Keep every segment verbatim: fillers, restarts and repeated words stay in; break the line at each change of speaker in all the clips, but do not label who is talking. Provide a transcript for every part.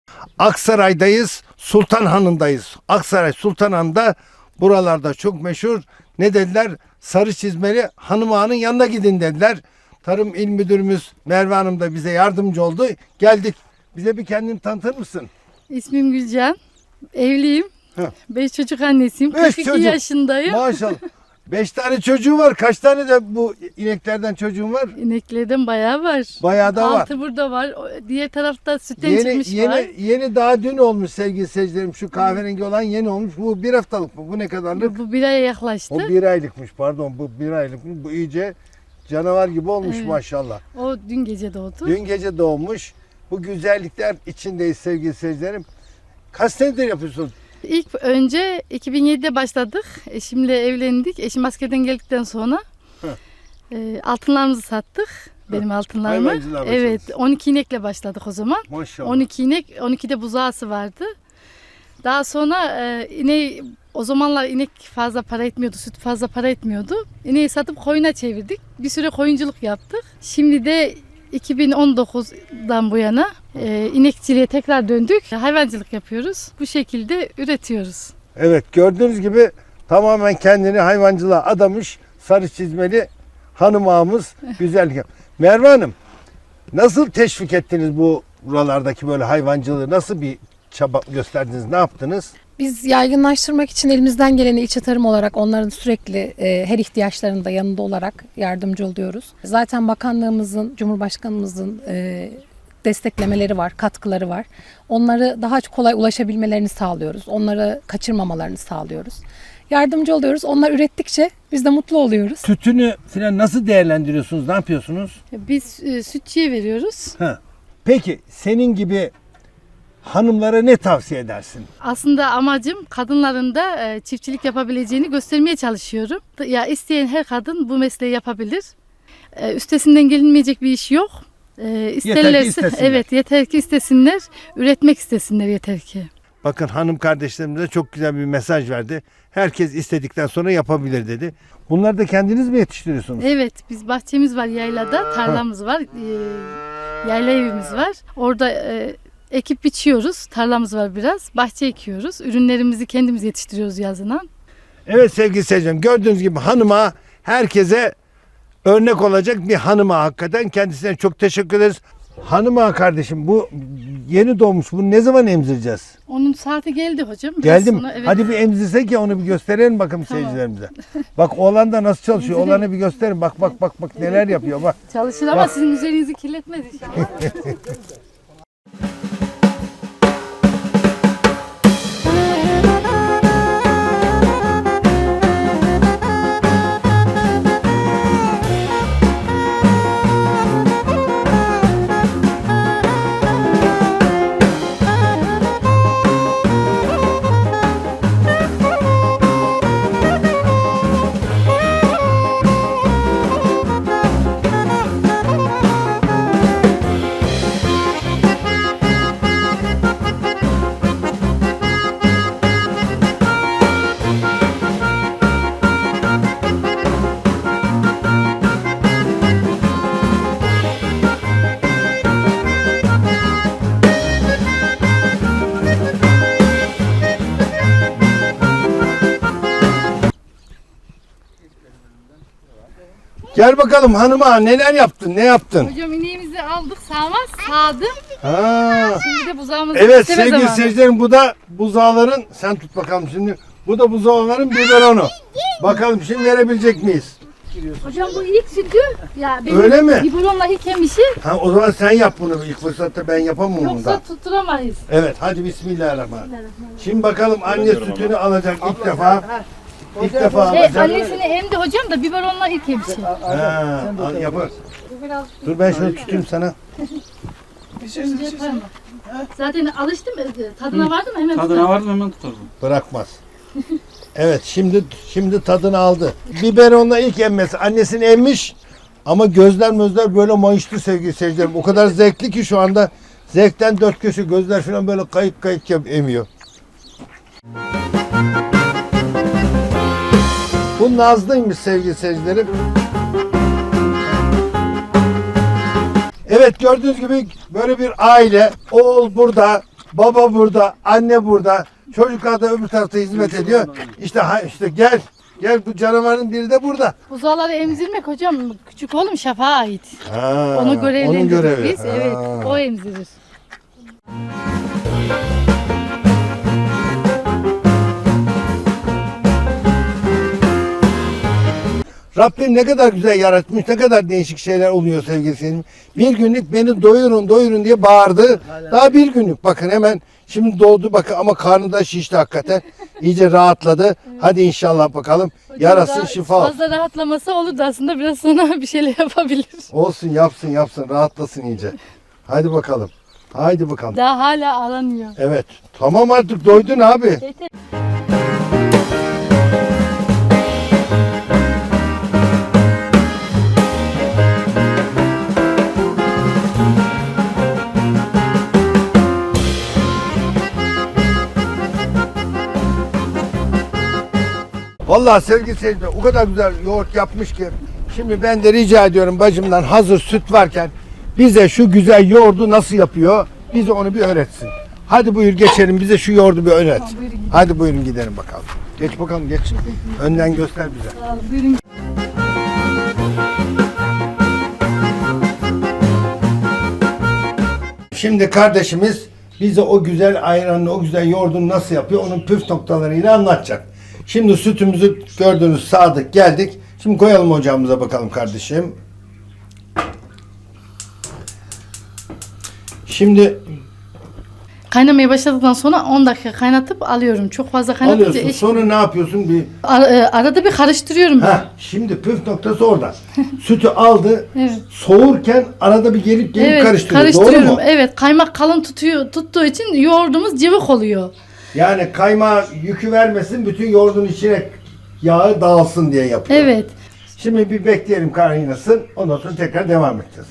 Aksaray'dayız, Sultanhanı'ndayız. Aksaray Sultanhanı'nda buralarda çok meşhur. Ne dediler? Sarı çizmeli hanım ağanın yanına gidin dediler. Tarım İl Müdürümüz Merve Hanım da bize yardımcı oldu. Geldik. Bize bir kendini tanıtır mısın?
İsmim Gülcan. Evliyim.
Heh.
Beş çocuk annesiyim.
Beş
kırk iki
çocuk.
yaşındayım.
Maşallah. Beş tane çocuğu var. Kaç tane de bu ineklerden çocuğun var?
İneklerden bayağı var.
Bayağı da var.
Altı burada var. O- Diğer tarafta sütten
Yeni,
çıkmış
yeni,
var.
yeni daha dün olmuş sevgili seyircilerim. Şu kahverengi olan yeni olmuş. Bu bir haftalık mı? Bu ne kadarlık?
Bu bir aya yaklaştı.
O bir aylıkmış pardon. Bu bir aylıkmış. Bu iyice canavar gibi olmuş
Evet.
maşallah.
O dün gece doğdu.
Dün gece doğmuş. Bu güzellikler içindeyiz sevgili seyircilerim. Kaç senedir yapıyorsun?
İlk önce iki bin yedide başladık. Eşimle evlendik. Eşim askerden geldikten sonra e, altınlarımızı sattık. Benim altınlarımı.
Hayvancılığa
Evet,
başladınız.
on iki inekle başladık o zaman.
Maşallah.
on iki inek, on ikide buzağısı vardı. Daha sonra e, ineği, o zamanlar inek fazla para etmiyordu, süt fazla para etmiyordu. İneği satıp koyuna çevirdik. Bir süre koyunculuk yaptık. Şimdi de iki bin on dokuzdan bu yana e, inekçiliğe tekrar döndük. Hayvancılık yapıyoruz. Bu şekilde üretiyoruz.
Evet gördüğünüz gibi tamamen kendini hayvancılığa adamış sarı çizmeli hanım ağamız güzellik. Merve Hanım nasıl teşvik ettiniz bu buralardaki böyle hayvancılığı? Nasıl bir çaba gösterdiniz? Ne yaptınız?
Biz yaygınlaştırmak için elimizden geleni ilçe tarım olarak onların sürekli e, her ihtiyaçlarında yanında olarak yardımcı oluyoruz. Zaten bakanlığımızın, Cumhurbaşkanımızın e, desteklemeleri var, katkıları var. Onları daha kolay ulaşabilmelerini sağlıyoruz. Onları kaçırmamalarını sağlıyoruz. Yardımcı oluyoruz. Onlar ürettikçe biz de mutlu oluyoruz.
Sütünü falan nasıl değerlendiriyorsunuz? Ne yapıyorsunuz?
Biz e, sütçüye veriyoruz.
Ha. Peki senin gibi hanımlara ne tavsiye edersin?
Aslında amacım kadınların da e, çiftçilik yapabileceğini göstermeye çalışıyorum. Ya isteyen her kadın bu mesleği yapabilir. E, üstesinden gelinmeyecek bir iş yok. E, isterlerse,
istesinler.
evet yeter ki istesinler, üretmek istesinler yeter ki.
Bakın hanım kardeşlerimize çok güzel bir mesaj verdi. Herkes istedikten sonra yapabilir dedi. Bunları da kendiniz mi yetiştiriyorsunuz?
Evet, biz bahçemiz var yaylada, tarlamız var, e, yayla evimiz var. Orada e, ekip biçiyoruz, tarlamız var biraz, bahçe ekiyoruz. Ürünlerimizi kendimiz yetiştiriyoruz yazına.
Evet sevgili seyircilerim gördüğünüz gibi hanıma herkese örnek olacak bir hanıma hakikaten kendisine çok teşekkür ederiz. Hanıma kardeşim bu yeni doğmuş bunu ne zaman emzireceğiz?
Onun saati geldi hocam. Biraz
Geldi mi?
sonra, evet.
Hadi bir emzirsek ya onu bir gösterelim bakalım
Tamam.
seyircilerimize. Bak oğlan da nasıl çalışıyor
Emzireyim.
oğlanı bir gösterin bak bak bak bak neler yapıyor bak.
Çalışır ama
Bak.
sizin üzerinizi kirletmez inşallah.
Gel bakalım hanıma neler yaptın ne yaptın?
Hocam ineğimizi aldık sağma sağdım.
Ha.
Şimdi de buzağımızı
Evet
besleme
sevgili
zamanı.
seyircilerim bu da buzağların sen tut bakalım şimdi. Bu da buzağların biberonu. Bakalım şimdi verebilecek miyiz?
Hocam bu ilk sütü. Ya benim
Öyle mi?
biberonla ilk emişi.
Ha o zaman sen yap bunu ilk fırsatta ben yapamam bunu
Yoksa
da.
tutturamayız.
Evet hadi bismillahirrahmanirrahim. Şimdi bakalım anne sütünü alacak ilk defa. İlk defa
E,
alacak.
annesini emdi hocam da biberonla ilk emişi.
Ha, al, yapar. Dur ben şöyle tutayım sana.
Önce yaparım. Zaten alıştım. e, Tadına vardım hemen
Tadına
tutarım.
vardım hemen tutarım.
Bırakmaz. Evet şimdi şimdi tadını aldı. Biberonla ilk emmesi. Annesini emmiş ama gözler mözler böyle mayıştı sevgili seyircilerim. O kadar zevkli ki şu anda zevkten dört köşe gözler falan böyle kayık kayık yap- emiyor. Bu Nazlı'ymış sevgili seyircilerim. Evet gördüğünüz gibi böyle bir aile. Oğul burada, Baba burada, anne burada. Çocuklar da öbür tarafta hizmet ediyor. İşte ha, işte gel. Gel bu canavarın biri de burada.
Buzağları emzirmek hocam küçük oğlum Şafak'a ait.
Ha,
Onu
onun
görevlendirdik
görevi.
biz. Evet,
Ha.
o emzirir.
Rabbim ne kadar güzel yaratmış, ne kadar değişik şeyler oluyor sevgili seyircilerim. Bir günlük beni doyurun, doyurun diye bağırdı. Daha bir günlük bakın hemen şimdi doğdu bakın ama karnı da şişti hakikaten. İyice rahatladı. Hadi inşallah bakalım. Yarasın
Daha
şifa olsun.
Fazla rahatlaması olurdu aslında biraz sonra bir şeyler yapabilir.
Olsun yapsın yapsın rahatlasın iyice. Hadi bakalım. Haydi bakalım.
Daha hala aranıyor.
Evet. Tamam artık doydun abi.
Yeter.
Vallahi sevgili seyirciler o kadar güzel yoğurt yapmış ki şimdi ben de rica ediyorum bacımdan hazır süt varken bize şu güzel yoğurdu nasıl yapıyor bize onu bir öğretsin. Hadi buyur geçelim bize şu yoğurdu bir öğret.
Tamam, buyurun.
Hadi buyurun gidelim bakalım. Geç bakalım geç. Önden göster bize.
Sağ olun, buyurun.
Şimdi kardeşimiz bize o güzel ayranını, o güzel yoğurdunu nasıl yapıyor onun püf noktalarıyla anlatacak. Şimdi sütümüzü gördünüz sağdık geldik. Şimdi koyalım ocağımıza bakalım kardeşim. Şimdi
Kaynamaya başladıktan sonra on dakika kaynatıp alıyorum. Çok fazla kaynatınca
alıyorsun
eş...
sonra ne yapıyorsun? Bir
Ar- e, arada bir karıştırıyorum ben.
ha şimdi püf noktası orada. Sütü aldı.
Evet.
Soğurken arada bir gelip gelip
Evet,
karıştırıyor. Doğru
karıştırıyorum.
mu?
Evet, kaymak kalın tutuyor tuttuğu için yoğurdumuz cıvık oluyor.
Yani kaymağı yükü vermesin bütün yoğurdun içine yağı dağılsın diye yapıyor.
Evet.
Şimdi bir bekleyelim kaynasın. Ondan sonra tekrar devam edeceğiz.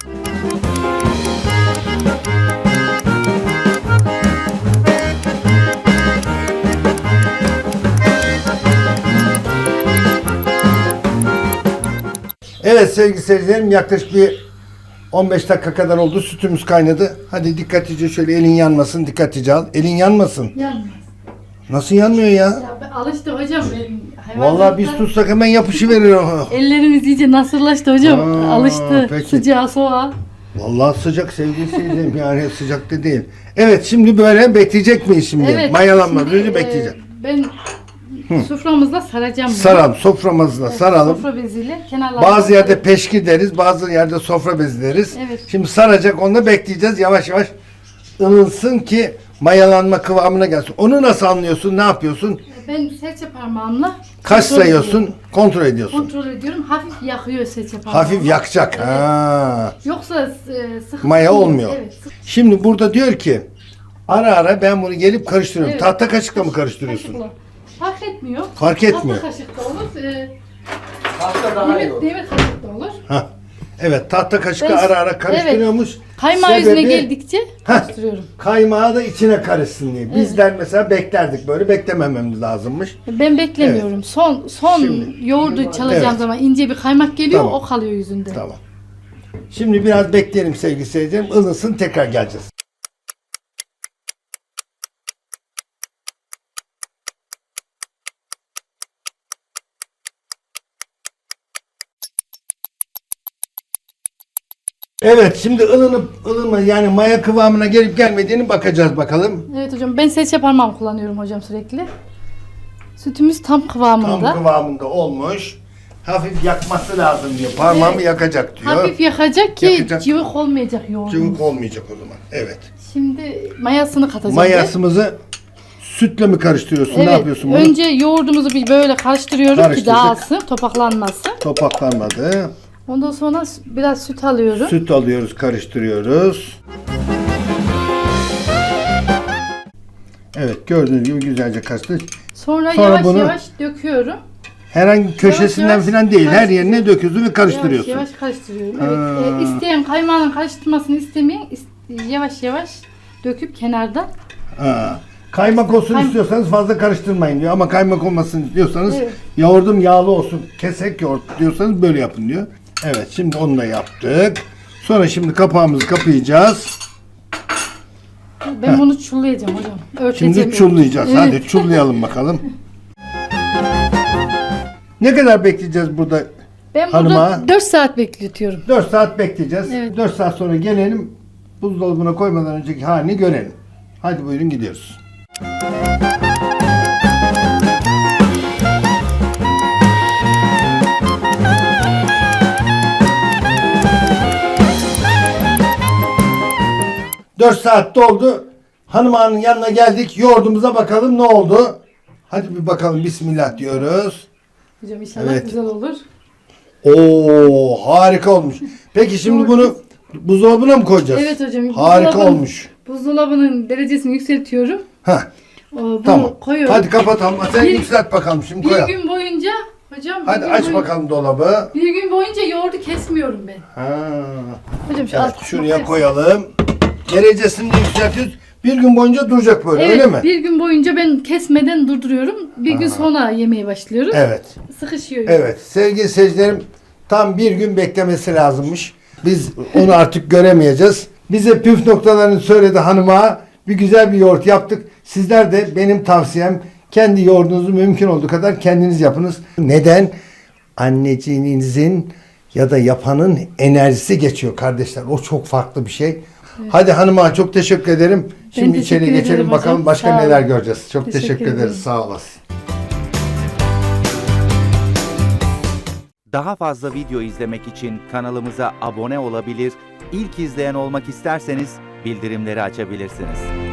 Evet sevgili seyircilerim yaklaşık bir on beş dakika kadar oldu. Sütümüz kaynadı. Hadi dikkatlice şöyle elin yanmasın. Dikkatlice al. Elin yanmasın.
Yanmaz.
Nasıl yanmıyor ya?
Ya ben alıştı hocam. Ben
Vallahi biz tutsak hemen yapışıveriyor.
Ellerimiz iyice nasırlaştı hocam.
Aa,
alıştı.
peki.
Sıcağı soğuğa.
Vallahi sıcak sevgili seyircilerim yani sıcak da değil. Evet şimdi böyle bekleyecek miyiz şimdi?
Evet.
Mayalanmadan
şimdi,
önce
e,
bekleyeceğim.
Ben soframızda saracağım bunu.
Saralım soframızla
Evet,
saralım.
Sofra beziyle kenarlarına.
Bazı yerde peşki deriz, bazı yerde sofra bezi deriz.
Evet.
Şimdi saracak, onu da bekleyeceğiz. Yavaş yavaş ılınsın ki mayalanma kıvamına gelsin. Onu nasıl anlıyorsun, ne yapıyorsun?
Ben serçe parmağımla
Kaç
kontrol ediyorum.
sayıyorsun, kontrol ediyorsun.
Kontrol ediyorum. Hafif yakıyor serçe parmağımı.
Hafif yakacak.
Evet.
Ha.
Yoksa e, sıkı
Maya
değil.
olmuyor.
Evet. sıkı-
Şimdi burada diyor ki ara ara ben bunu gelip karıştırıyorum.
Evet.
Tahta kaşıkla mı karıştırıyorsun?
Kaşıkla. Fark etmiyor.
Fark etmiyor.
Tahta kaşık da olur. E,
Pasta daha iyi
demir,
olur.
demir kaşık da olur.
Ha. Evet tahta kaşıkla
Ben-
ara ara karıştırıyormuş.
Kaymağı
Sebebi-
yüzüne geldikçe karıştırıyorum.
Kaymağı da içine karışsın diye. Bizler mesela beklerdik böyle beklemememiz lazımmış.
Ben beklemiyorum. Son son
Şimdi-
yoğurdu çalacağım
Evet.
zaman ince bir kaymak geliyor,
Tamam.
o kalıyor yüzünde.
Tamam. Şimdi biraz bekleyelim sevgili seyircilerim. Ilısın tekrar geleceğiz. Evet şimdi ılınıp ılınma yani maya kıvamına gelip gelmediğini bakacağız bakalım.
Evet hocam, ben serçe parmağımı kullanıyorum hocam sürekli. Sütümüz tam kıvamında.
Tam kıvamında olmuş. Hafif yakması lazım diyor. Parmağımı
Evet.
yakacak diyor.
Hafif yakacak ki
Yakacak.
cıvık olmayacak yoğurdumuz.
Cıvık olmayacak o zaman. Evet.
Şimdi mayasını katacağım.
Mayasımızı sütle mi karıştırıyorsun?
Evet,
Ne yapıyorsun bunu?
önce yoğurdumuzu bir böyle karıştırıyorum ki
Karıştırdık.
dağılsın, topaklanmasın.
Topaklanmadı.
Ondan sonra biraz süt alıyorum.
Süt alıyoruz, karıştırıyoruz. Evet, gördüğünüz gibi güzelce karıştırdık.
Sonra,
Sonra
yavaş
bunu-
yavaş döküyorum.
Herhangi köşesinden
yavaş
falan değil, her yerine
karıştırıyorum.
döküyorsun ve karıştırıyorsun.
Yavaş yavaş karıştırıyorum.
Ha.
Evet. E, isteyen kaymağının karıştırmasını istemeyen is- yavaş yavaş döküp kenarda.
Ha. Kaymak olsun
Kay-
istiyorsanız fazla karıştırmayın diyor ama kaymak olmasın diyorsanız
Evet.
yoğurdum yağlı olsun, kesek yoğurt diyorsanız böyle yapın diyor. Evet, şimdi onu da yaptık. Sonra şimdi kapağımızı kapayacağız.
Ben bunu çullayacağım hocam. Örteceğim.
Şimdi çullayacağız.
Evet.
Hadi çullayalım bakalım. Ne kadar bekleyeceğiz burada?
Ben
Hanıma.
burada dört saat bekletiyorum.
dört saat bekleyeceğiz.
Evet.
dört saat sonra gelelim. Buzdolabına koymadan önceki halini görelim. Hadi buyurun gidiyoruz. dört saat doldu. Hanım ağanın yanına geldik. Yoğurdumuza bakalım ne oldu. Hadi bir bakalım. Bismillah diyoruz.
Hocam inşallah
Evet.
güzel olur.
Oo, harika olmuş. Peki şimdi bunu buzdolabına mı koyacağız?
Evet hocam.
Harika
buzdolabın-
olmuş.
Buzdolabının derecesini yükseltiyorum.
Heh,
O, Bunu
tamam.
koyuyorum.
Hadi kapatalım. Sen
Bir-
yükselt bakalım şimdi
bir
koyalım.
gün boyunca hocam bir
Hadi
gün
aç
boyunca-
bakalım dolabı.
Bir gün boyunca yoğurdu kesmiyorum ben.
Ha.
Hocam şu
Evet,
alt kısmı
şuraya
koyarsın.
koyalım. Derecesini yükseltiyoruz. Bir gün boyunca duracak böyle
Evet,
öyle mi?
bir gün boyunca ben kesmeden durduruyorum. Bir gün sonra yemeye başlıyoruz.
Evet.
Sıkışıyor.
Evet. Sevgili seyircilerim, tam bir gün beklemesi lazımmış. Biz onu artık göremeyeceğiz. Bize püf noktalarını söyledi hanıma. Bir güzel bir yoğurt yaptık. Sizler de benim tavsiyem kendi yoğurdunuzu mümkün olduğu kadar kendiniz yapınız. Neden? Anneciğinizin ya da yapanın enerjisi geçiyor kardeşler. O çok farklı bir şey. Hadi hanıma çok teşekkür ederim. Şimdi
teşekkür
içeri
ederim
geçelim
hocam.
bakalım başka
Sağ olun.
neler göreceğiz. Çok teşekkür,
Teşekkür
ederiz.
ederim.
Sağ olasın.
Daha fazla video izlemek için kanalımıza abone olabilir, ilk izleyen olmak isterseniz bildirimleri açabilirsiniz.